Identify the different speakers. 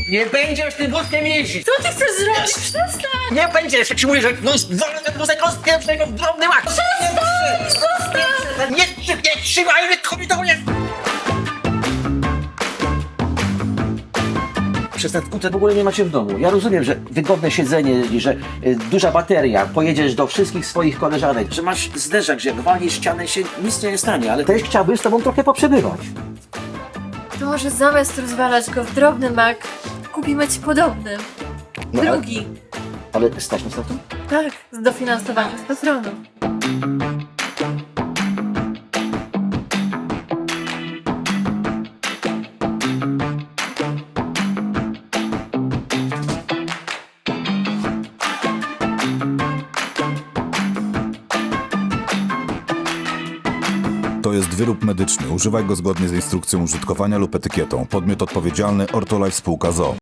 Speaker 1: Nie będziesz tym wózkiem jeździć!
Speaker 2: Co ty chcesz zrobić? Przestań!
Speaker 1: Nie będziesz! Jak ci mówię, że wolę ten wózek rozpieprznego w drobny mak! Nie trzymaj mnie, kobieta jest! Przez ten skuter w ogóle nie macie w domu. Ja rozumiem, że wygodne siedzenie, że duża bateria, pojedziesz do wszystkich swoich koleżanek, że masz zderzak, że jak walniesz ścianę się nic nie stanie, ale też chciałbym z tobą trochę poprzebywać.
Speaker 2: To może zamiast rozwalać go w drobny mak, kupimy ci podobny.
Speaker 1: No,
Speaker 2: Drugi.
Speaker 1: Ale stać nas na to?
Speaker 2: Tak, z dofinansowaniem z patronu.
Speaker 3: To jest wyrób medyczny. Używaj go zgodnie z instrukcją użytkowania lub etykietą. Podmiot odpowiedzialny Ortolife Spółka z o.o.